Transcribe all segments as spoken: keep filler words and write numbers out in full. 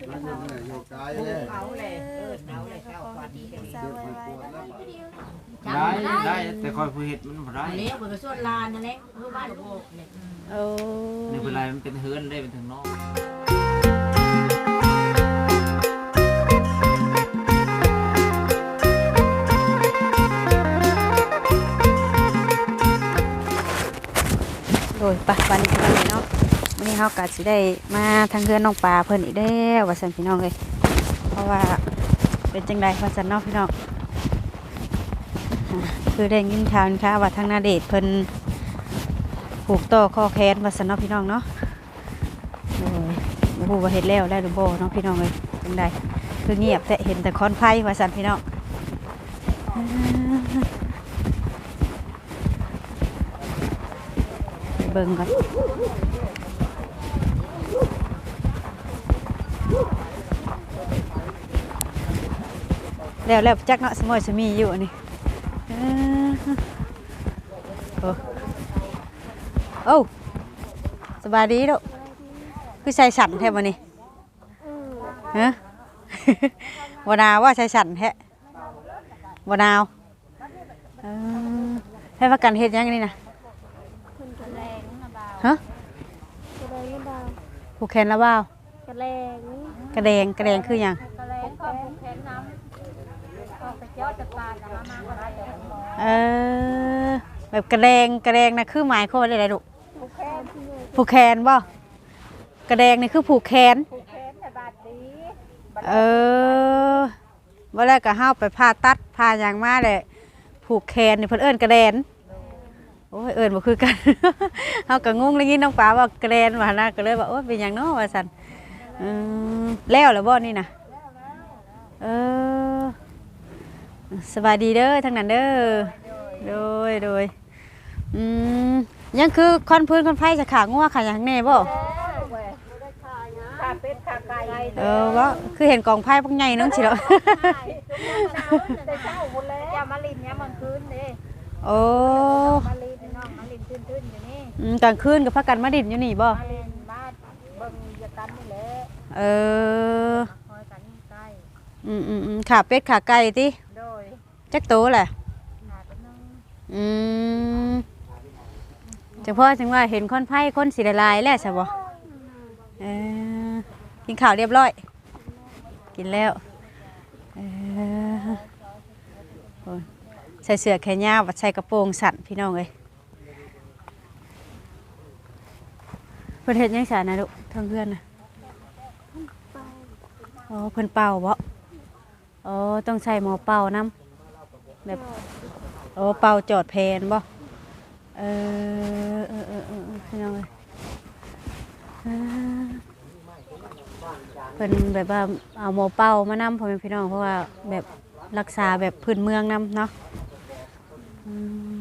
เอาเลยเออเอาเลยเข้าควันได้ได้แต่คอยผู้เห็ดมันบ่ได้เลี้ยวไปส่วนลานนั่นแหละเมื่อบ้านโบกเนี่ยโอ้นี่เป็นไรมันเป็นเฮือนได้เป็นถึงนอกโดยปะวันนี้วันนี้เนาะวันนี้เขาก็สิได้มาทางเรือนน้องปลาเพิ่นอีกแล้วว่าซั่นพี่น้องเลยเพราะว่าเป็นจังไดว่าซั่นเนาะพี่น้องคือได้ยินข่าวค่ะว่าทางนาเดชเพิ่นผูกต่อข้อแขนว่าซั่นเนาะพี่น้องเนาะโอ้ยบ่ฮู้ว่าเฮ็ดแล้วได้หรือบ่เนาะพี่น้องเลยจังไดคือเงียบแต่เห็นแต่คอนไฟว่าซั่นพี่น้องเบิ่งก่อนแล้วแล้วจักเนาะสมอยสมีอยู่นี่เออโอ้โอ้สบายดีลูกคือใส่สั่นแท้บ่นี่ฮะ บ่นาวว่าใส่สั่นแท้บ่นาวเออให้ว่ากันเฮ็ดหยังนี่นะฮะผูกแขนแล้วบ่าวกระแรงกระแดงกระแดงคือหยังกระแรงก็ผูกแขนน้ำก็ไปเจาะจะปาดมามาก็ได้เออแบบกระแดงกระแดงนะคือหมายความว่าอะไรลูกผูกแขนผูกแขนบ่กระแดงนี่คือผูกแขนผูกแขนแต่บาดดีเออว่าแล้วก็เฮาไปผ่าตัดผ่าหยังมาเลยผูกแขนนี่เพิ่นเอิ้นกระแดนโอ้ยเอิ้นบ่คือกัน เฮาก็งงเลยงี้น้องป๋าว่ากระแดนว่านะก็เลยว่าโอ้ยเป็นหยังเนาะว่าซั่นอืมแล้วแล้วบ่นี่น่ะเออสบายดีเด้อทั้งนั้นเด้อโดยโดยอืมยังคือคอนพื้นคอนไฟจะขางัวขาหยังแน่บ่ขาเป็ดขาไก่เออว่าคือเห็นกองไพ่พวกใหญ่นึงสิเนาะแต่เช้าหมดแล้วอย่ามาลินเนี่ยมันคืนเด้โอ้มาลินน้องมาลินทื่นๆอยู่นี่อืมกลางคืนกับพักกันมาดินอยู่นี่บ่มาลินบ้านเบิ่งยากันนี่แหละเออคอยกันใกล้อืมอืมอืมขาเป็ดขาไก่ติโดยจักโตแหละหาเป็นนึงอืมจังพ่อจังว่าเห็นคนไพ่คนสีลายๆแล้วใช่บ่เออกินข้าวเรียบร้อยกินแล้วเออโอ้ยใส่เสื้อแขนยาวบัดใส่กระโปรงสั้นพี่น้องเอ้ยเพิ่นเฮ็ดหยังซะนะลูกทางเพื่อนน่ะอ๋อเพิ่นเป่าบ่อ๋อต้องใช้หมอเป่านํแบบโอ้เป่าจอดแพนบ่เออเออเออเออเออพี่น้องเอ้ยอ่าเพิ่นแบบว่าเอาหมอเป่ามานํพ่อแม่พี่น้องเพราะว่าแบบรักษาแบบพื้นเมืองนํเนาะอืม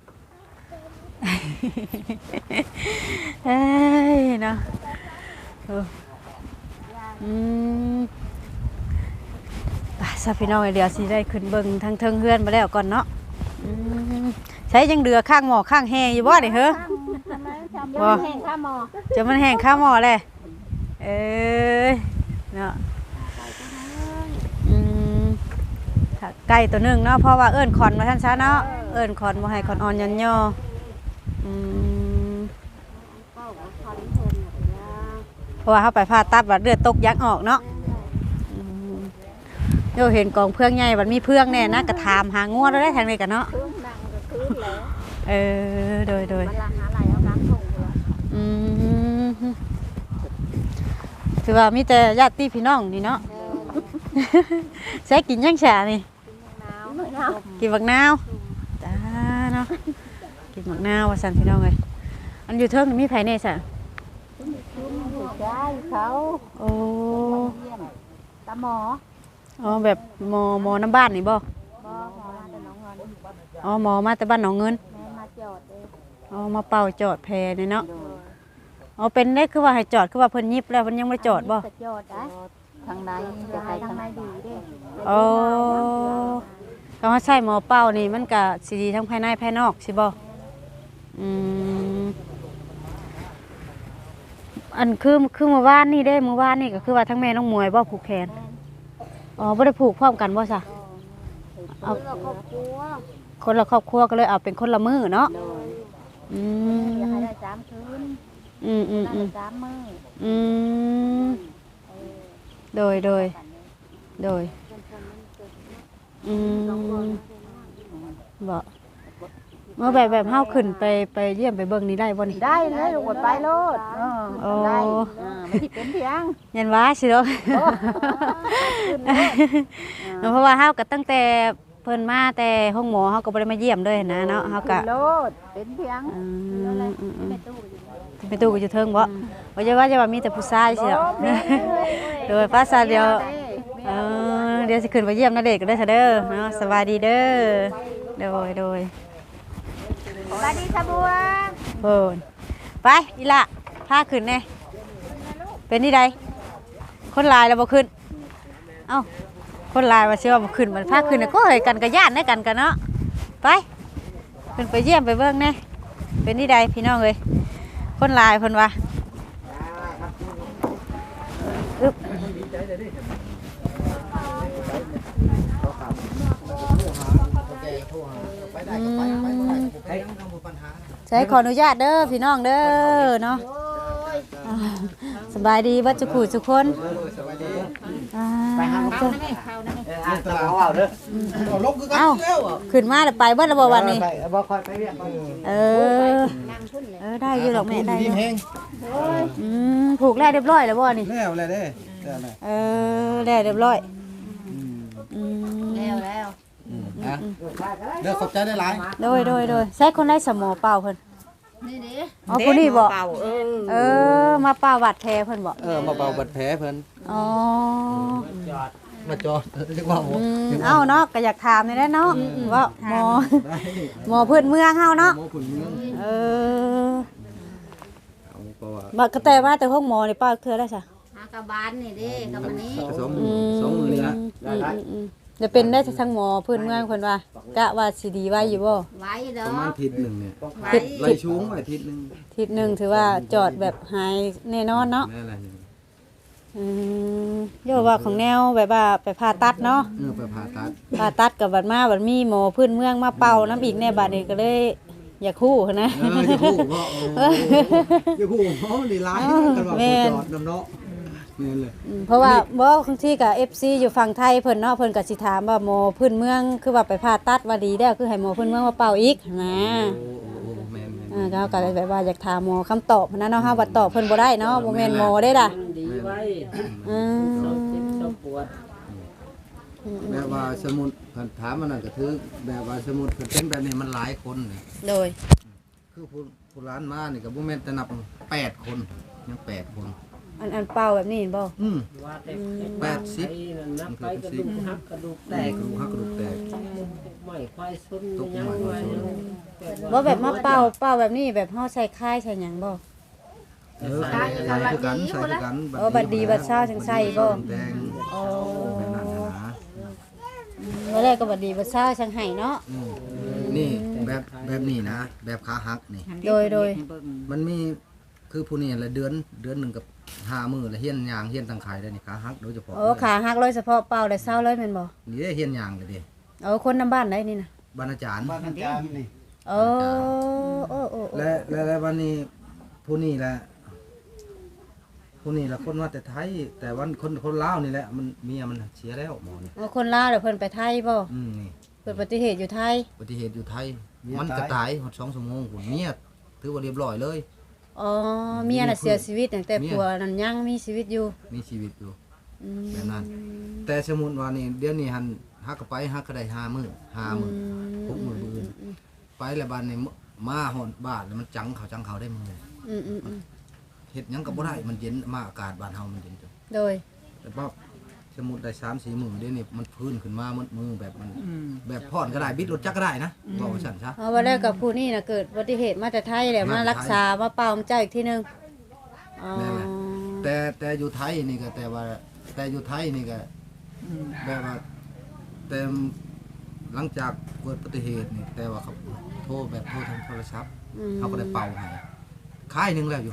เอ้ยเนาะเอออืมไปซะพี่น้องเดี๋ยวสิได้ขึ้นเบิ่งทางเทิงเฮือนมาแล้วก่อนเนาะอืมใช้ยังเดือข้างหม้อข้างแห้งอยู่บ่นี่เฮ้อบ่แห้งข้าหมอจะมันแห้งข้างหม้อเลยเอ้ยเนาะอืมค่ะไก่ตัวหนึงเนาะเพราะว่าเอิ้นขอนมาท่านซะเนาะเอิ้นขอนบ่ให้ขอนอ่อนยันย่ออืมเพราะว่าเขาไปผ่าตัดว่าเลือดตกยักออกเนาะอืมโยเห็นกองเพื่องใหญ่บัดมีเพื่องแน่นะกระถามหางัวแล้วได้ทางนี้กันเนาะคืนนั่งก็คืนแล้วเออโดยโดยมันละหาไหลเอาน้ำส่งเลยอืมถือว่ามีแต่ญาติพี่น้องนี่เนาะ ใช้กินยังฉานี่หนาวหนาวกินบักนาวจ้าเนาะกินบักนาวว่าสั่นพี่น้องเลยอันอยู่เทิงนี่มีไผแน่ซะถูกใจเขาโอ้เยี่ยมตาหมออ๋อแบบหมอหมอน้ำบ้านนี่บ่บ่หมอมาแต่น้องเงินอ๋อหมอมาแต่บ้านหนองเงินแม่มาจอดเลยอ๋อมาเป่าจอดแพนี่เนาะอ๋อเป็นได้คือว่าให้จอดคือว่าเพิ่นยิบแล้วเพิ่นยังไม่จอดบ่จอดได้ทางไหนจะไปทางไหนดีเด้โอ้ก็ว่าใช่หมอเป่านี่มันก็สิดีทั้งภายในภายนอกสิบ่อืมอันอันคือคือเมื่อวานนี่เด้เมื่อวานนี่ก็คือว่าทั้งแม่น้องมวยบ่ผูกแขนอ๋อบ่ได้ผูกพร้อมกันบ่ซะเอาเราครอบครัวคนละครอบครัวก็เลยเอาเป็นคนละมื้อเนาะโดยอือยากมให้ได้สามคืนอืมอืมได้อืมสามมื้ออืมเออโดยโดยโดยอืมบ่เมื่อแบบแบบเฮาขึ้นไปไปเยี่ยมไปเบิ่งนี่ได้บ่นี่ได้เลยลูกไปโลดเออโอ้ได้เออไม่สิเป็นเพียงยันว่าสิเนาะ เพราะว่าเฮาก็ตั้งแต่เพิ่นมาแต่ห้องหมอเฮาก็บ่ได้มาเยี่ยมเลยนะเนาะเฮาก็โลดเป็นเพียงอืมอืมอืมไม่ตู้อยู่ไปตู้ก็อยู่เทิงบ่ว่าจะว่าจะว่ามีแต่ผู้ชายสิเนาะโดยภาษาเดียวเออเดี๋ยวสิขึ้นไปเยี่ยมนาเดชน์ก็ได้ซะเด้อเนาะสบายดีเด้อโดยโดยสวัสดีสบัวเพิ่นไปอีละพาขึ้นแน่เป็นนี่ใดคนหลายแล้วบ่ขึ้นเอ้าคนหลายว่าสิว่าบ่ขึ้นมันพาขึ้นน่ะก็เฮ้ยกันก็ย่านได้กันกันเนาะไปขึ้นไปเยี่ยมไปเบิ่งแน่เป็นนี่ใดพี่น้องเอ้ยคนหลายเพิ่นว่าอึ๊บใช้ขออนุญาตเด้อพี่น้องเด้อเนาะอ่าสบายดีบัดจุกผู้ทุกคนอ่าจ้ะอ่านตลาดเอาเด้อลบคือกันเอ้าแล้วอ่ะขึ้นมาแล้วไปเบิดแล้วบ่วันนี้ไปบ่ค่อยไปเรียกเออเออได้อยู่ดอกแม่ได้อดียู่แห้งอืมผูกแล้วเรียบร้อยแล้วบ่นี่แล้วอะไรเด้แล้วอะไรเออแล้วเรียบร้อยอืมแล้วแล้วฮะเด้อขอบใจได้หลายโดยโดยโดยใช้คนได้สมอเป่าเพิ่นนี่ดิอ๋อผู้นี้บ่เป่าเออเออมาเป่าบาดแผลเพิ่นบ่เออมาเบาบัดแผลเพิ่นอ๋อมาจอดเรียกว่าหมออืมเอ้าเนาะก็อยากถามนี่แหละเนาะว่าหมอหมอพื้นเมืองเฮาเนาะหมอขุนเมืองเออเอาเพราะว่าบักกระแต่ว่าแต่ห้องหมอนี่ป้าเทื่อได้ซะหากระบาลนี่ดิกับอันนี้สองมือสองมือนี่ละอืมอืมอืมจะเป็นได้ทั้งหมอพื้นเมืองเพิ่นว่ากะว่าสิดีไว้อยู่บ่ไว้เด้ปอระมาณทิศหนึ่งเนี่ยไว้ไล่ชูงไว้ทิศหนึ่งทิศหนึงถือว่าจอดแบบหายแน่นอนเนาะนั่นแหละนี่อืมโยว่าของแนวแบบว่าไปผ่าตัดเนาะเออไปผ่าตัดผ่าตัดกับบัดมาบัดมีหมอพื้นเมืองมาเป่าน้ำอีกแน่บัดนี้ก็เลยอยากคู่นะเออจะพูดว่าโอ้จะพูดเพราะดีร้ายกันว่าจอดน้ำเนาะนี่เลยอืมเพราะว่าบ่บางทีก็ เอฟ ซี อยู่ฝั่งไทยเพิ่นเนาะเพิ่นก็สิถามว่าหมอพื้นเมืองคือว่าไปผ่าตัดว่าดีแล้วคือให้หมอพื้นเมืองมาเป่าอีกนะโอ้โอ้แมนแมนอ่าก็ก็เลยแบบว่าอยากถามหมอคำตอบนะเนาะเฮาบ่ตอบเพิ่นบ่ได้เนาะบ่แม่นหมอได้ล่ะดีไว้อืมเจ้าปวดแบบว่าสมุดถามมันนั่นก็คือแบบว่าสมุดเป็นแบบนี้มันหลายคนเลยโดยคือผู้ผู้ร้านมานี่กับผู้แม่นแต่นับแปดคนยังแปดคนอันอันเป่าแบบนี้เห็นบ่อืมว่าแต่แปดสิบนับไปกระดูกหักกระดูกแตแตกกกระดูกหักกระดูกแตกไม่ควายซุนตกยังใหม่ไว้บ่แบบมาเป่าเป่าแบบนี้แบบเฮาใส่ค่ายใส่หยังบ่เออใส่ใส่คือกันใส่คือกันเออบัดดีบัดเช้าจังใส่บ่แดงอ๋อแบบนั้นนะเมื่อแรกก็บัดดีบัดเช้าจังไห้เนาะอืมนี่แบบแบบนี้นะ แบบขาหักนี่โดยโดยมันมีคือผู้นี้ละเดือนเดือนหนึ่งกับห้ามือละเฮียนยางเฮียนตังไข่ได้นี่ขาหักโดยเฉพาะโอ้ขาหักเลยเฉพาะเป่าได้เช้าเลยแม่นบ่นี่ได้เฮียนยางเลยดิเอาคนนำบ้านได้นี่น่ะบรรณาจารย์โอ้โอ้โอ้โอ้และและและวันนี้ผู้นี้แหละผู้นี้ละคนว่าแต่ไทย แต่วันคนคนลาวนี่แหละมันเมียมันเสียแล้วหมอนี่เอาคนลาวเดี๋ยวเพิ่นไปไทยบ่อืมนี่เกิดอุบัติเหตุอยู่ไทยอุบัติเหตุอยู่ไทย มันก็ตายหมดสองชั่วโมงคุณเมียถือว่าเรียบร้อยเลยอ๋อเมียน่ะเสียชีวิตตั้งแต่เมียผัวนั่นยังมีชีวิตอยู่มีชีวิตอยู่อืมแบบนั้น แต่สมมุติว่านี่เดี๋ยวนี้หันฮักก็ไปฮักก็ได้ห้ามื้อห้ามื้อหกมื้อมื้อไปแล้วบ้านนี่มาหอนบ้านแล้วมันจังเขาจังเขาได้มื้ออืมอืมอืมเฮ็ดหยังก็บ่ได้มันเย็นมาอากาศบ้านเฮามันเย็นจังโดยแต่ว่าสมมุติได้สามสี่มื้อเดี๋ยวนี้มันพื้นขึ้นมามันมือแบบมันแบบพอดก็ได้บิดรถจักรก็ได้นะบอกว่าซั่นซะเอาวันแรกกับผู้นี่น่ะเกิดอุบัติเหตุมาแต่ไทยแหละมารักษามาเป่าของเจ้าอีกทีหนึงอ๋อนั่นแหละ แต่แต่อยู่ไทยนี่ก็แต่ว่าแต่อยู่ไทยนี่ก็แบบว่าแต่หลังจากเกิดอุบัติเหตุนี่แต่ว่าเขาโทรแบบโทรทางโทรศัพท์อืมเขาก็ได้เป่าให้ค่ายหนึงแล้วอยู่หันน่ะโ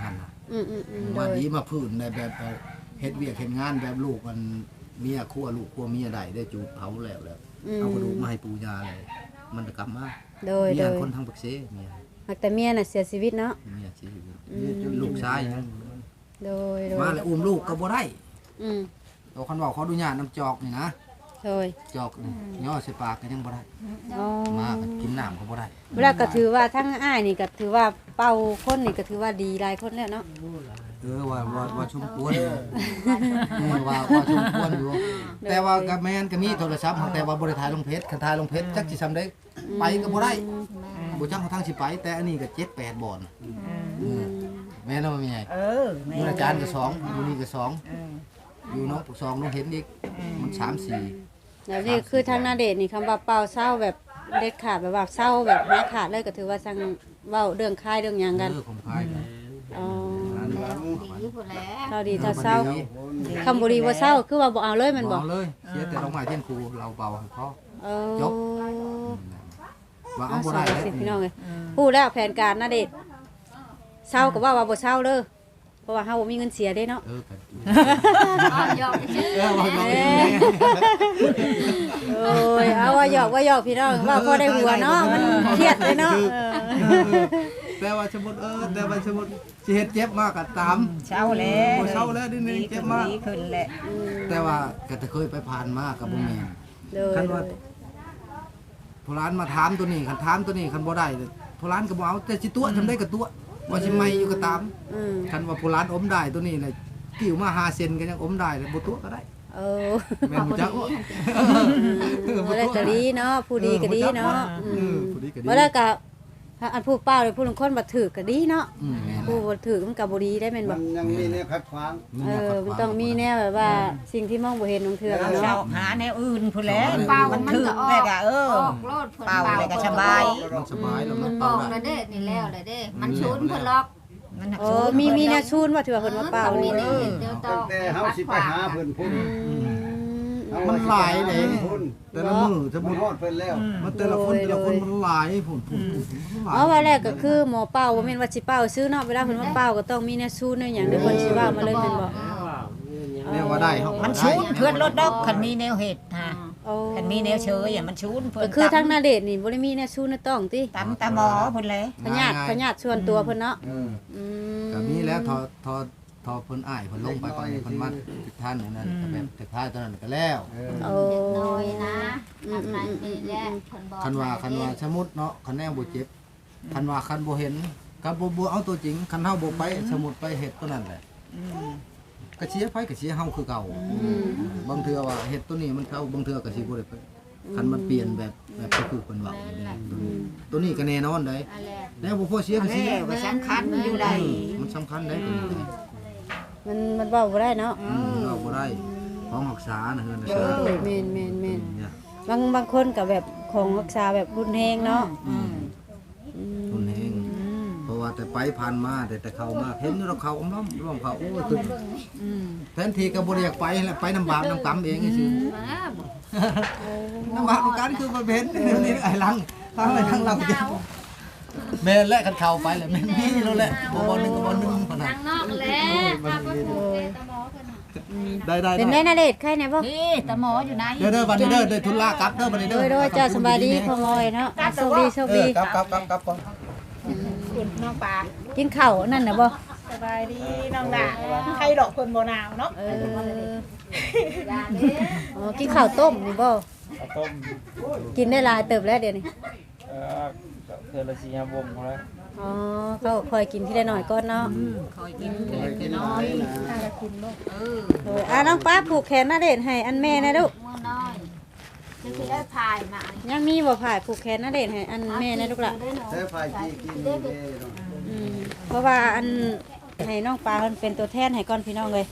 อืมอืมอืมโดมาย ดีมาพื้นในแบบเฮ็ดเวียกเฮ็ดงานแบบลูกมันเมียครัวลูกครัวเมียใดได้จูบเผาแล้วแล้วอืมเอากระดูกมาให้ปู่ย่าเลยมันจะกลับมาโดยเมีโดยยคนทางปักเสเมียหากแต่เมียน่ะเสียชีวิตเนาะเมียชีวิตอืมลูกชายยังโดยโดยมาแล้วอุ้มลูกก็บ่ได้อืมเอาคันว่าขออนุญาตน้ำจอกนี่นะโดยจอกนี่ย่อใส่ปากก็ยังบ่ได้อ๋อมาก็กินน้ำก็บ่ได้เวลาก็ถือว่าทั้งอ้ายนี่ก็ถือว่าเป่าคนนี่ก็ถือว่าดีหลายคนแล้วเนาะเออว่าว่าว่าชุมควรเออว่าว่าชุมควรอยู่แต่ว่าก็แม่นก็มีโทรศัพท์แต่ว่าบ่ได้ถ่ายลงเพจคันถ่ายลงเพจจักสิซำได้ไปก็บ่ได้บ่จักเขาทางสิไป แต่อันนี้ก็เจ็ดแปดบ่อนแม่นบ่แม่ใหญ่เออแม่อยู่อาจารย์ก็สองอยู่นี่ก็สองเอออยู่น้องปกสองน้องเห็นอีกมันสามสี่แล้วนี่คือทางนาเดชน์นี่คำว่าเป่าเศร้าแบบเด็ดขาดแบบว่าเศร้าแบบหายขาดเลยก็ถือว่าสั่งเว้าเรื่องคายเรื่องหยังกันเออผมคายกันอ๋อดีพุ่นแล้วเศร้าดีถ้าเศร้าคำบุรีว่าเศร้าคือว่าบ่เอาเลยแมันบบ่อกเลยเสียแต่ลงมาเที่ยงครูเราเบาให้พ่อเออจบ ว่าเอาเอาบ่สาได้วเลยสิพี่น้องเอ้ยพูดแล้วแผนการนาเดชน์เศร้าก็ว่าว่าบ่เศร้าเด้อเพราะว่าเฮาบ่มีเงินเสียเด้เนาะเออกันอ๋อยอกชื่อเออว่าเราเอ้ยโอ้ยเอาว่าหยอกว่าหยอกพี่น้องว่าพอได้หัวเนาะมันเครียดเลยเนาะเออแต่ว่าสมมุติเออแต่ว่าสมมุติสิเฮ็ดเจ็บมากก็ตามเช้าแล้วบ่เศร้าแล้วนิดนึงเจ็บมากดีขึ้นแหละแต่ว่าก็จะเคยไปผ่านมากับบ่แม่นเลยคันว่าผู้ร้านมาถามตัวนี้คันถามตัวนี้คันบ่ได้ผู้ร้านก็บ่เอาแต่สิตัวทำได้ก็ตัวว่าสิไม่อยู่ก็ตามอืมคันว่าผู้ร้านอมได้ตัวนี้น่ะกิ้วมาห้าเซนก็ยังอมได้เลยบ่ตัวก็ได้เออแม่นบ่จักว่าบ่ได้ก็ดีเนาะผู้ดีก็ดีเนาะเออผู้ดีก็ดีบ่ได้ก็อันผู้เป้าเลยผู้ลางคนบ่ถือก็ดีเนาะอืมแม่นผู้บ่ถือมันก็บ่ดีได้แม่นบ่มันยังมีเนี่ยขัดขวางมีเอแนวอขัดมันขวางต้องมีแนวแบบว่าสิ่งที่มองบ่เห็นของเธอเช้าเนาะหาแนวอื่นพุ่นแล้วเป่ามันถึกแม่ก็เออออกโลดเพิ่นเป่าเป่าเลยก็สบายมันสบายแล้วมัเพิ่นนบเป่าอกได้แล้วเด้นี่แล้วแล้วเด้ มันชุนเพิ่นล็อกมันหักโอ้สูงมีมีแนวชูนว่าถือว่าเพิ่นมาเป่ามีนี่นี่เดี๋ยวต้ตั้อง งแต่เฮาสิไปหาเพิ่นพุ่นมันหลายเลยพุ่นแต่ละมือสมมัมุนติฮอดเพิ่นแล้วมันแต่ละคนแต่ละคนมันหลายผุนผุนผุนหลายอ๋อว่าแรกก็คือหมอเป่าบ่แม่นว่าสิเป่าซื้อเนาะเวลาเพิ่นมาเป่าก็ต้องมีแนวชูนแนวหยังเดี๋ยวเพิ่นสิว่ามาเลยแม่นบ่เรียกว่าได้เฮามันได้ชูนเพื่อนรถดอกคันมีแนวเห็ดฮะโอ้คันมีแนวเชยอ่ะมันชูนเพื่ก็นคือทางนาเดชน์นี่บ่ได้มีแนวชูนแนวต้องติตำตาหมอพุ่นเลยพญาติพญาติส่วนตัวเพิ่นเนาะเอออืมก็มีแล้วทอทอทอเพิ่นอ้ายเพิ่นลงไปก่อนเพิ่นมาติดท่านอย่างนั้นก็แบบติดท้ายตอนนั้นก็แล้วโอ้เด็กน้อยนะทำนั้นนี่แหละเพิ่นบอกคันว่าคันว่าสมมุติเนาะคันแนวบ่เจ็บคันว่าคันบ่เห็นคันบ่บ่เอาตัวจริงคันเฮาบ่ไปสมมุติไปเฮ็ดตัวนั้นแหละก็เสียไผก็เสียเฮาคือเก่าบางเทื่อว่าเฮ็ดตัวนี้มันเข้าบางเทื่อก็สิบ่ได้ไปคันมันเปลี่ยนแบบแบบที่คือเพิ่นเว้าตัวนี้ก็แน่นอนได้นั่นแหละแล้วบ่พอเสียก็เสียแล้วก็สำคัญอยู่ใดมันสำคัญได้ตัวนี้มันมันเว้าบ่ได้เนาะอืมเราบ่ได้ของรักษานะเฮือนนะเอเฮือนอแม่นแม่นแม่นเนี่ยบางบางคนก็แบบของรักษาแบบรุนแรงเนาะอืมอืมทุนเองเพราะว่าแต่ไปผ่านมาแต่แต่เข้ามาเห็นอยู่เราเข้าอมล้อมร่วมเข้าโอ้ยขึ้นแทนที่ก็บ่ได้อยากไปแหละไปน้ำบาปน้ำกรรมเองซื่อมาบ่น้ำบาปน้ำกรรมคือบ่เป็นนี่ไอ้หลังทางไอ้ทางเราแม่นและกันเข้าไปแหละแม่นมีแล้วแหละบ่บ่หนึงก็บ่หนึงพอทานั้นงนอกแหละถ้าบ่ถูกเด้ตะหมอเพิ่นน่ะได้ได้เป็นได้นาเดชน์ใครเนี่ยบ่นี่ตาหมออยู่ไหนเด้อเด้อบัดนี้เด้อได้ทุนลากลับเด้อบัดนี้โดเด้อยโดยเจ้าสบายดีพ่อมอยเนาะโชคดีโชคเอดีอกลับกลับกลับกลับก่อนคุณน้องปลากินข้าวนั่นน่ะบ่สบายดีน้องดาใครดอกคนโบนาวเนาะเอออย่าเด้อ๋อกินข้าวต้มนี่บ่ข้าวต้มกินได้หลายเติบแล้วเดี๋ยวนี้เอ่อเทอละสี่ห้าวงเขาแล้วอ๋อก็คอยกินที่ได้หน่อยก่อนเนาะคอยกินเล็กน้อยเออโอ้ยอ่ะน้องป้าผูกแขนนาเดชน์ให้อันแม่นะลูกมือน้อยจะสิได้พายมายังมีบ่ผ่ายผูกแขนนาเดชน์ให้อันแม่นะลูกล่ะใช้ไฟที่กินนี่เด้เนาะอืมเพราะว่าอันให้น้องปลาเพิ่นเป็นตัวแทนให้ก่อนพี่น้องเลย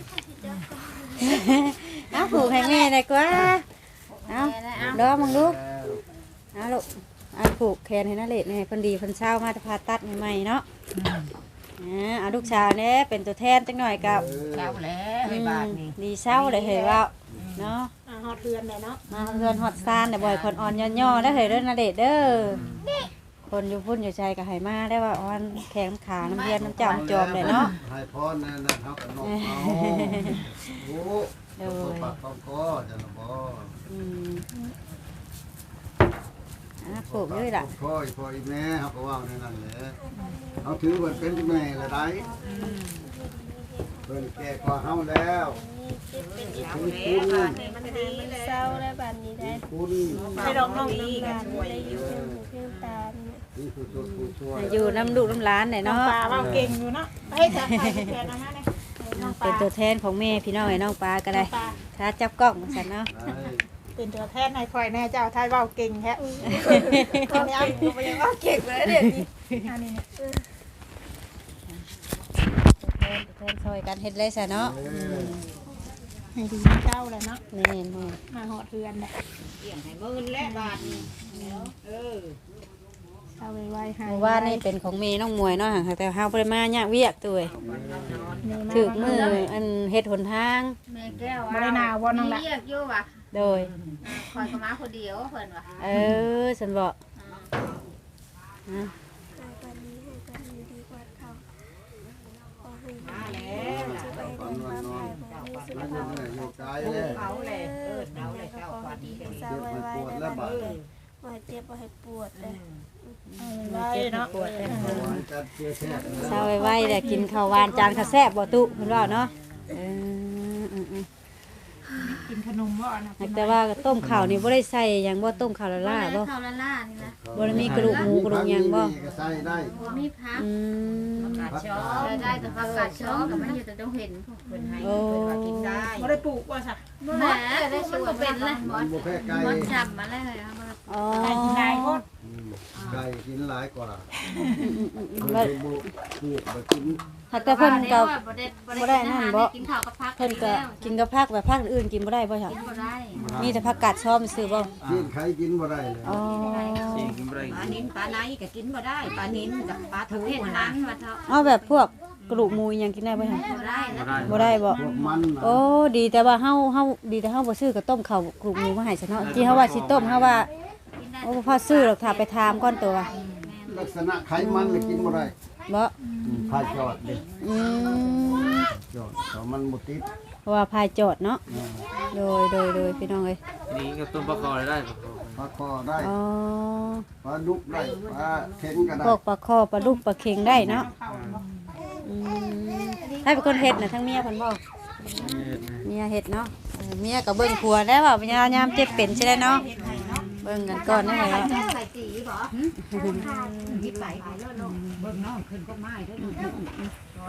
เอาผูกให้แม่ได้กว่าเอาดอมึงลูกเอาลูกเอาผูกแขนให้นาเดชน์ให้เพิ่นดีเพิ่นเช้ามาจะผ่าตัดใหม่ๆเนาะอ่าเอาลูกสาวเนี่ยเป็นตัวแทนจังหน่อยกับเช้าแล้วไอ้บาทนี่ดีเช้าเลยเห็นว่าเนาะฮอดเทือนเลยเนาะมาเรือนฮอดซานแต่บ่อยคนอ่อนย่อๆได้อเห็นเด้อนาเดชน์เด้อคนอยู่พุ่นอยู่ใจก็ให้มาได้ว่าอ่อนแข็งขาน้ำเย็นน้ำเจ้าน้ำจอมเลยเนาะให้พรนั่นน่ะเฮาก็นกเอาโอ้โหปากต้องก็จะละบ่อืมอ่ะปลูกเลยล่ะพ่ออีพ่ออีแม่เฮาก็ว่าในนั้นแหละเฮาถือว่าเป็นแม่ละได้เพิ่นแก่กว่าเฮาแล้วคุณคุณเศร้าและบัดนี้ได้คุณไปดอกน้องดีกันได้อยู่เพิ่มเพิ่มตานี่คือตัวผู้ช่วยอยู่น้ำลูกน้ำร้านเนี่ยน้องเนาะปลาว่าเก่งอยู่เนาะไปจะไปแทนนะฮะเนี่ยน้องปเป็นลาตัวแทนของแม่พี่น้องไอ้น้องปลาก็ได้ถ้าจับกล้องสันเนาะเป็นตัวแทนในคอยแน่เจ้าทายว่าเก่งแท้คนนี้ก็ยังว่าเก่งเลยเด็ดนี่อันนี้ตัวแทนตัวแทนซอยกันเฮ็ดเลยซะเนาะให้ดีเจ้าเลยเนาะนี่นี่มาหอดเรือนเลยเกี่ยงให้มื่นและบาทเออเอาไว้ไว้ให้เมื่อวานนี่เป็นของแม่น้องมวยเนาะห่างแต่เฮาบ่ได้มาเนี่ยากเวียกตัวเอ้ยถึกมืออันเฮ็ดหนทางแม่แก้วไม่ได้นาวันนั่งละเรียกอยู่ว่ะโดยคอยก็มาคนเดียวเพิ่นว่ะเออฉันบอกฮะมาแล้วตอนนอนนอนแล้วยังไงอยู่กายเลยเอาเลยเออเอาเลยเจ้าขวัญเจ็บมันปวดแล้วบาดว่าเจ็บว่าให้ปวดเลยเจ็บปวดเลยหายกันเจ็บแท้เศร้าไว้ๆแต่กินข้าวหวานจานข้าวแซ่บบ่ตุเพิ่นว่าเนาะเอออือกินขนมบ่นะๆแต่ว่าต้มข้าวนี่บ่ได้ใส่หยังบ่ต้มข้าวละลาบ่ข้าวละล่านี่นะบ่ได้มีกระดูกหมูกระดูกหยังบ่ก็ใส่ได้บ่มีพักอืมพักกาได้ได้แต่ผักกาดช้อนกับมันอยู่แต่ต้องเห็นเพิ่นให้โอ้เพิ่นว่ากินได้ไม่ได้ปลูกว่าสักบ่แหละได้ช่วยเป็นเลยหมมัอน นบ่แพ้ไก่หมอนจับมาเลยเอามาอ๋อไก่กินได้ก็ไก่กินหลายกว่าบ่เพิ่นบ่ปลูกบ่กินหักแต่เพิ่นก็บ่ได้บ่ได้นั่นบ่กินข้าวกับผักเพิ่นก็กินกับผักแบบผักอื่นกินบ่ได้บ่ค่ะกินบ่ได้มีแต่ผักกาดซ้อมซื้อบ่กินไข่กินบ่ได้เลยอ๋อสิกินบ่ได้ปลานิ้นปลาไหนก็กินบ่ได้ปลานิ้นกับปลาทูเฮ็ดนั้นว่าเถาะเอาแบบพวกกระดูกหมูอิหยังกินได้บ่ค่ะบ่ได้นะบ่ได้บ่พวกมันน่ะโอ้ดีแต่ว่าเฮาเฮาดีแต่เฮาบ่ซื้อก็ต้มข้าวกรุกหมูมาให้ซะเนาะที่เฮาว่าสิต้มเฮาว่ากินได้โอ้บ่พอซื้อหรอกถ้าไปถามก่อนตัวลักษณะไขมันน่ะกินบ่ได้บ่พายจอดเด้อืมจอดแต่มันบ่ติดเพราะว่าพายจอดเนาะโดยโดยโดยพี่น้องเอ้ยนี่ก็ต้มปลาคอได้ปลาคอได้อ๋อปลาดุกได้ปลาเข็งก็ได้พวกปลาคอปลาดุกปลาเค็งได้เนาะอืมให้เป็นคนเฮ็ดน่ะทั้งเมียเพิ่นบ่เมียเฮ็ดเนาะเออเมียก็เบิ่งผัวได้ว่าพยายามเจ็บเป็นใช่ได้เนาะเบิ่งกันก่อนได้ไหมใส่สีบ่คิดไปไปแล้วเนาะเบิ่งน้องขึ้นก็ไม้เด้อ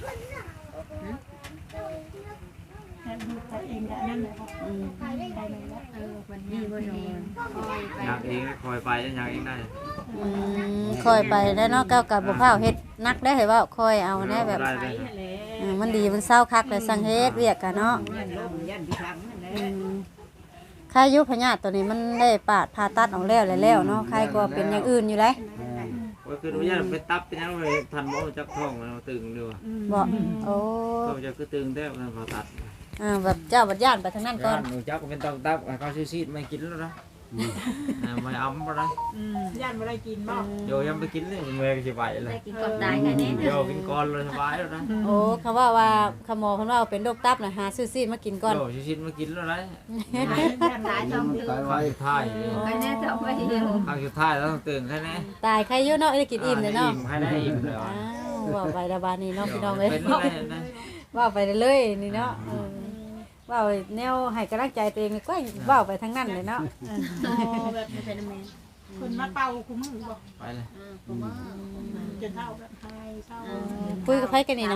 แค่ดูตัวเองก็นั่นเลยไปได้เลยแล้วเออวันนี้บ่นอนคอยไปอยากเองคอยไปอยากเองได้อืมคอยไปแล้วเนาะก้าวกับบ่พร้าวเฮ็ดนักได้เหรอว่าคอยเอาแน่แบบได้ได้เออมันดีมันเศร้าคักเลยสังเฮ็ดเวียกกันเนาะยันลมยันพิทักษ์นั่นแหละอืมค่ายุพญาติตัวนี้มันได้ปาดผ่าตัดออกแล้วแล้วเนาะใครก็เป็นอย่างอื่นอยู่เลยว่าคือว่าไปตับเป็นยังไงทันบ่จักท้องมันตึงด้วยบ่โอ้ก็จะคือตึงแท้มันพอตัดอ่าแบบเจ้าบัดย่านไปทางนั้นก่อนหนูจักเป็นต้องตับเขาซีดไม่กินแล้วนะไม่อ้ำบ่ได้ย่านไม่ได้กินบ่โยยังไปกินเลยเมื่อยก็สิไหวเลได้ยกินก่อนตายกันนี่โยกินก่อนเลยสบายแล้วนะโอ้คำว่าว่าคำหมอคำว่าเป็นโรคตับน่ะหาซื้อซีดมากินก่อนโยซีดมากินแล้วนะตายจอมตื่นตายข้าไว้วสุดท้ายไปแน่จอมไปเดียวข้าวสุดท้ายแล้วต้องตื่นแค่นี้ตายใครอยู่เนาะได้กินอิ่มเลยเนาะอิ่มให้ได้อิ่มเลยอ้าวว่าไปละบาดนี้เนาะพี่น้องเอ้ยเป็นอะไรนะว่าไปเลยนี่เนาะเออว่าไปแนวให้กำลังใจตัวเองก็ว่าไปทางนั้นเลยเนาะแบบไม่เป็นแมนคนมาเป่าคุ้มือบ่ไปเลยผมว่าจนเท่าแบบไทยเศร้าคุยกับไผกันนี่นะ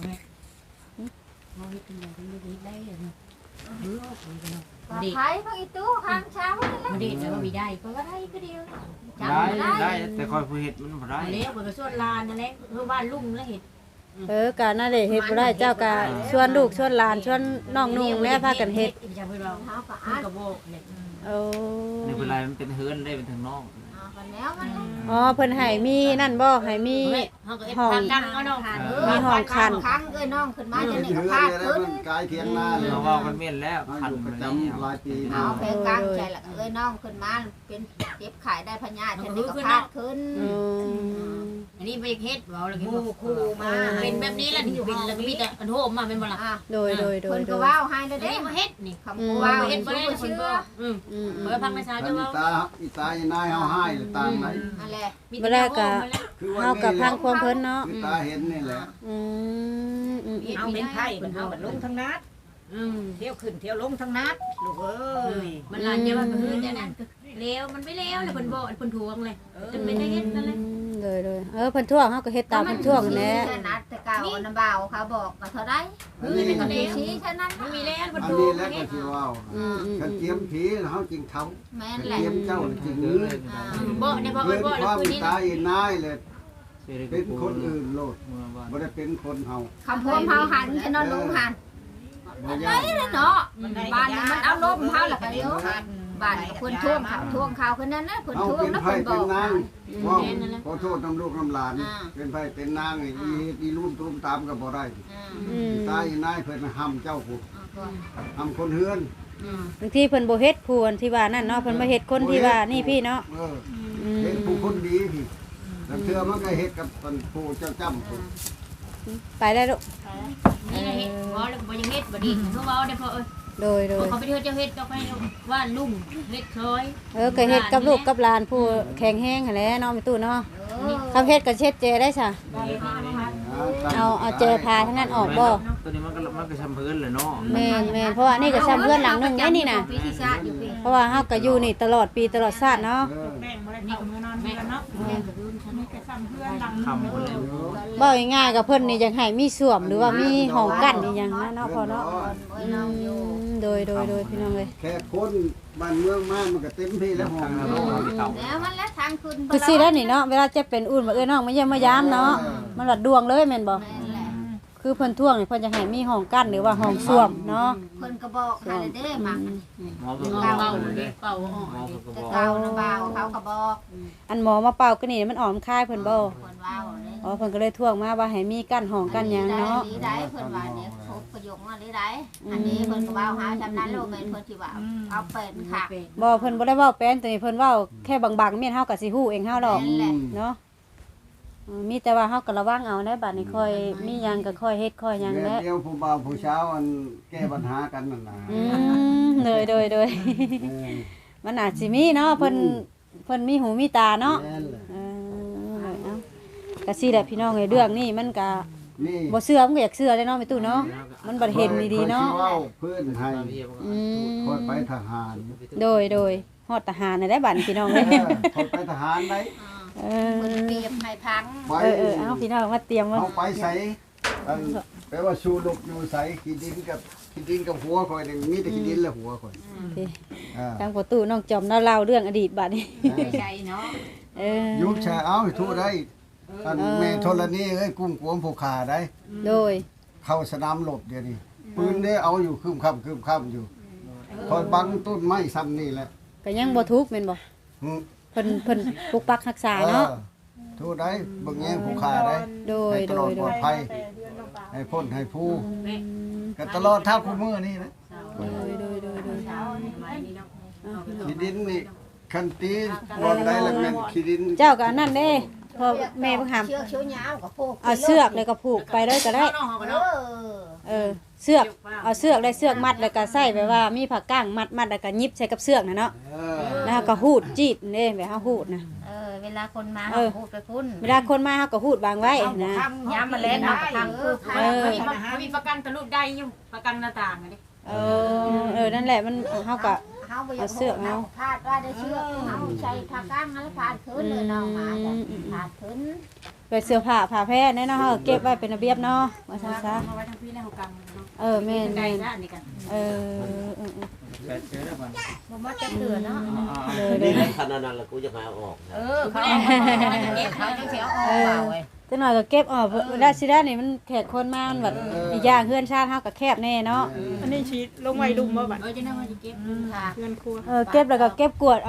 ไทยพังอีตู้ข้างเช้าเลยเด็ดแล้วมีได้ก็ได้ก็เดียวได้ได้แต่คอยผู้เห็ดมันบ่ได้เลี้ยวมันก็ส่วนลานนั่นแหละคือบ้านลุงแล้วเห็ดเออกะนั่นแหละเฮ็ดบ่ได้เจ้ากะชวนลูกชวนหลานชวนน้องนุ่งแล้วพากันเฮ็ดจะไปเราเท้ากับอากระโบกเนี่ยโอ้นี่เป็นไรมันเป็นเฮือนได้เป็นทางนอกเขามันแล้วมันอ๋อเพิ่นให้มีนั่นบ่ให้มีเฮาก็เอ็ดพากันเอาน้องมีห้องคันครั้งเอ้ยน้องขึ้นมาเรืจะอนนี่ก็เรืพาอนดแล้วขึ้นมันกายเทียงหน้าเลยเราว่ากันเม่นแล้วเขาคัอน ยู่ปมัระนจำหลายปีเอาเพลงกลางใจละเอ้ยน้องขึ้นมาเป็นเจ็บขายได้พญาจะนี่ก็พาดขึ้นอืมอันนี้ไปเฮ็ดเว้าแล้วหก็มู่คู่มาเป็นแบบนี้แล้วนี่เป็นแล้วก็มีแต่อันโหมมาเป็นบ่ล่ะอ่ะโดยโดยโดเพิ่ยนโดก็ยว้าวให้แล้วเด้เด้มาเฮ็ดนี่คำพูว้าวเฮ็เห็ดนบ่บ่ได้ได้คนเชื่บ่ออืมอืมเบิ่งพังในสาวคัจะนเว้าตาอีตายนายเฮาให้หรือต่างไหนนั่นแหละบ่ได้ก็คือว่าเฮากับพังความเพิ่นเนาะคือตาเห็นนี่แหละอืมอืมอืมเอาเป็นไผ่มันเอาลงทั้งนัดอืมเที่ยวขึ้นเที่ยวลงทั้งนัดลูกเอ้ยมันหลานจะว่าก็คือแต่นั้นก็เลวมันไม่เลวเลยเพิ่นบ่เพิ่นทวงเลยจนเป็นได้เฮ็ดนั่นแหละเลยเลยเออเพิ่นท่วงเฮาก็เฮ็ดตามเพิ่นท่วงนั่นแหละแค่นัดแต่เก่าน้ำเบาเขาบอกว่าเท่าไรอันคือนี้เป็นคนชี้แค่นั้นมันมีแล้วเพิ่นอันทวนี้งแล้วก็เฮ็ดสิว่าอืมอืมคันเจียมผีเฮาจริงเท่าแม่คันนแหละเจียมเจ้าจริงเยเนื้อะอเลยบ่ได้บ่เกินบ่คแล้ววามคืนนี้ตายนายเลยเป็นคนอื่นโลดบ่ได้เป็นคนเฮาคำพูดเฮาหันแค่นอนลงหันบ่ไปยากเลยเนาะบ้านนี้มันเอาลมเฮาล่ะกันเดียวบ้านคนท่วงเขาท่วงเขาคนนั้นนะคนเอาท่วงเป็นนะไผคนบเป็อน กนางว่าขอโทษน้ำลูกน้ำหลานอ่าเป็นไผเป็นนางอีอีรุ่มตุ้มตามก็บ่ได้อืมตายนายเพิ่นห้ำเจ้าผู้ห้ำคนเฮือนบางทีเพิ่นบ่เฮ็ดผู้อันที่ว่านั่นเนาะเพิ่นมาเฮ็ดคนที่ว่านี่พี่เนาะเอออืมเฮ็ดผู้คนดีพี่แล้วเทื่อมันก็เฮ็ดกับผู้เจ้าจ้ำผู้ไปได้ลูกนี่นะเฮ็ดบ่แล้วบ่ยังเฮ็ดบ่ดีเขาเว้าได้พอเอ้ยโดยโดยเขาไปเฮ็ดเจ้าเฮ็ดก็ไปว่าลุงเฮ็ดซอยเออก็เฮ็ดกับลูกกับหลานผู้แข็งแรงหั่นแหละเนาะแม่ตู้เนาะคำเฮ็ดก็เช็ดเจได้ซะเอาเอาเจพาทั้งนั้นออกบ่ตัวนี้มันก็มันก็ชำพื้นเลยเนาะแม่นแม่นเพราะว่านี่ก็ซ้ำเพื่อนหลังหนึงได้นี่น่ะปีที่ชาติอยู่ปีเพราะว่าเฮาก็อยู่นี่ตลอดปีตลอดชาติเนาะเออแม่งบ่ได้เข้ามือนอนเดือนเนาะมีแต่ซ้ำเพื่อนหลังคำคนเลยบ่ง่ายๆกับเพิ่นนี่อยากให้มีส้วมหรือว่ามีห้องกั้นอีหยังนะเนาะพ่อเนาะโอ้ยน้องอยู่อืมโดยโดยโดยพี่น้องเอ้ยแค่คนบ้านเมืองมามันก็เต็มที่แล้วห้องโลกแล้วมันแล้วทางขึ้นคือสิแล้วนี่เนาะเวลาเจ็บเป็นอุ่นมาเอ้ยน้องมาเยี่ยมมายามเนาะมันหลัดดวงเลยแม่นบ่แม่นแหละคือเพิ่นท่วงนี่เพิ่นจะให้มีห้องกั้นหรือว่าห้องส้วมเนาะเพิ่นก็บอกให้เด้มักหมอเพิ่งเป่าเป่าเป่าเลยเป่าออกหมอเพิ่งก็แต่บอกเก่าน้ำเบาเขาก็บอกอันหมอมาเป่าก็นี่มันออมคายเพิ่นบ่เพิ่นว้าวเลยอ๋อเพิ่นก็เลยท่วงมาว่าให้มีกั้นห้องกั้นหยังเนาะลีได้เพิ่นว่าเนี่ยพบประโยคว่าลีได้อันนี้เพิ่นก็ว้าวหาจำนั้นโลกแม่นเพิ่นสิว่าเอาเป็นค่ะบ่เพิ่นบ่ได้เว้าเป็นตัวนี้เพิ่นเว้าแค่บางๆเมียนเฮาก็สิฮู้เองเฮาดอกนั่นแหละเนาะอืมมีแต่ว่าเฮาก็ระวังเอาได้บัดนี้ค่อยมีหยังก็ค่อยเฮ็ดค่อยหยังแม่แหละเดียวผู้บ่าวผู้เช้าอันแก้ปัญหากันนั่นน่ะอืมโดยโดยโดยเออมันอาจสิมีเนาะเพิ่นเพิ่นมีหูมีตาเนาะแม่นแหละเออเอาก็สิแหละพี่น้องเอ้ยเรื่องนี้มันก็นี่บ่เชื่อมันก็อยากเชื่อเลยเนาะแม่ตู้เนาะมันบ่เห็นดีๆเนาะข้อยสิว้เพื่อนให้อืมคอยไปทหารโดยโดยฮอดทหารน่ะได้บัดนี้พี่น้องเอเอ้ยอคอยไปทหารได้เอเพิ่นอเปรียบให้พังไปเออเออเอาพี่น้องมาเตรียมไว้เอาไปใส่อันแปลว่าชูดกอยู่ใส่ขี้ดินกับขี้ดินกับหัวคอยนี่มีแต่ขี้ดินและหัวคอยพี่อ่าทางประตูน้องจอมเล่าเล่าเรื่องอดีตบัดนี้ใจเนาะเออยุบแชร์เอาให้ทั่วได้อันแม่ธรณีเอ้ยกุ้งกวมผูกขาได้โดยเข้าสนามรบเดี๋ยวนี้ปืนได้เอาอยู่คืมค่ำคืมค่ำอยู่คอยบังต้นไม้ซ้ำนี่แหละก็ยังบ่ทุกข์แม่นบ่หึเพิ่นเพิ่นปกปักรักษาเนาะออทั่วได้เบิ่งแย่งผูกขาได้โดยให้ตโดลอดยปโดลอดยภัยให้พ้นให้ผู้ก็ตลอดท่าคู่มือนี่นะโดยโดยโดยโดยขี้ดินนี่คันตีบอลได้แล้วแม่นขี้ดินเจ้าก็อันนั้นเด้พอแม่เพิ่งหามเชือกเชือกยาวกับพวกเอาเชือกเลยก็ผูกไปเลยก็ได้น้องเฮาก็เอเนาะอเออเสือกเอาเสือกได้เสือกมัดแล้วก็ใส่แบบว่ามีผักก้างมัดมัดแล้วก็ยิบใส่กับเสือกน่ะเนาะเออแล้วก็หูดจีดเด้แบบเฮาหูดนะเออเวลาคนมาเออพูดไปพุ่นเวลาคนมาเฮาก็หูดวางไว้นะย้ำมาเล่นเอาทางคือเออมีมีประกันทะลุได้อยู่ประกันหน้าต่างอะดิเออเออนั่นแหละมันเฮาก็เฮาบ่อยากเอาพาดว่าได้เชือกเฮาใช้ทางก้างแล้วพาดขึ้นเลยน้องมาจ้ะพาดขึ้นไปเสื้อผ้าผ้าแพร่แน่เนาะเฮาก็เก็บไว้เป็นระเบียบเนาะว่าซั่นซะเอาไว้ทางพี่แล้วเฮากังเนาะเออแม่นได้แม่นซะอันนี้กันเออเออเออแปดเจอแล้วมันบ่มาจะเตือนเนาะเลยเลนี่ยแหละขนาดนั้นแล้วกูจะมาเอาออกนะเออเขาเอามาเก็บเขาจังสิเอาออกเปล่าเว้ยจังหน่อยก็เก็บออกเวลาสิได้นี่มันแขกคนมามันแบบอีกอย่างเฮือนชาติเฮาก็แคบแน่เนาะอันนี้ชีลงไว้ลุมบ่บัดเออจะนั่งว่าจะเก็บค่ะเพื่อนครัวเออเก็บแล้วก็เก็บกวดเอา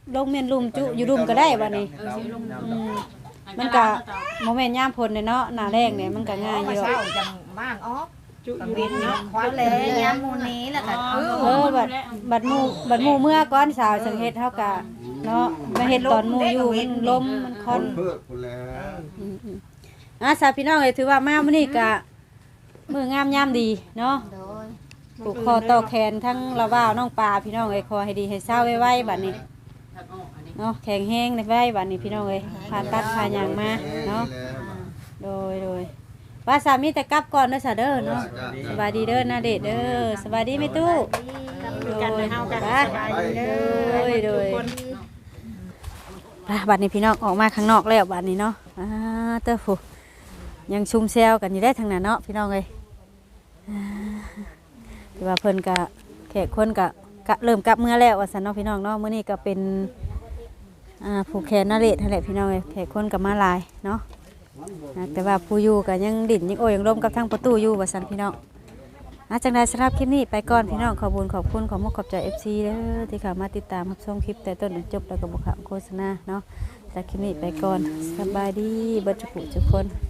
ลงเมียนลุมจุอยู่รุมก็ได้บัดนี้เออสิลงอืมมันก็โมเมนต์ยามฝนเนี่ยเนาะหน้าแรงเนี่ยมันก็ง่ายอยู่เช้าจังบ้างออกจุอกัยู่เว้นเนาะเนาะควันเลยยามมูนี้แล้วก็เอาเออบัดบัดหมู่บัดหมู่เมื่อก่อนสาวสังเฮ็ดเฮาก็เนาะมาเฮ็ดตอนหมู่อยู่มันลมมันคคอนนเพื่อคนแล้วอืมๆอ่ะสาวพี่น้องเอ้ยถือว่ามามื้อนี้ก็มื้องามยามดีเนาะโดยผูกคอต่อแขนทั้งละว่าวน้องปลาพี่น้องเอ้ยขอให้ดีให้เศร้าไว้ๆบัดนี้เนาะแข็งแห้งในไว้บัดนี้พี่น้องเอ้ยผ่าตัดผ่าหยังมาเนาะโดยโดยว่าสามีแต่กลับก่อนเด้อซะเด้อเนาะสบายดีเด้อนาเดชเด้อสบายดีไหมตู้คือกันเฮากันสบายดีเด้อทุกคนอ่ะบัดนี้พี่น้องออกมาข้างนอกแล้วบัดนี้เนาะอ่าเต้อผู้ยังชุมแซวกันอยู่ได้ทางนั้นเนาะพี่น้องเอ้ยอ่าที่ว่าเพิ่นก็แขกคนก็กะเริ่มกลับเมื่อแล้วว่าซั่นเนาะพี่น้องเนาะมื้อนี้ก็เป็นอ่าผูกแขนนาเรศนั่นแหละพี่น้องเอ้ยแขกคนก็มาหลายเนาะอ่าแต่ว่าผู้อยู่ก็ยังดิ่นยังโอยยังร่มกับทางประตูอยู่ว่าซั่นพี่น้องอาจังได๋สำหรับคลิปนี้ไปก่อนพี่น้องขอบคุณขอบคุณขอมกขอบใจ เอฟ ซี เด้อที่เข้ามาติดตามรับชมคลิปแต่ต้นจนจบแล้วก็บ่ขามโฆษณาเนาะจากคลิปนี้ไปก่อนสบายดีเบิดทุกผู้ทุกคน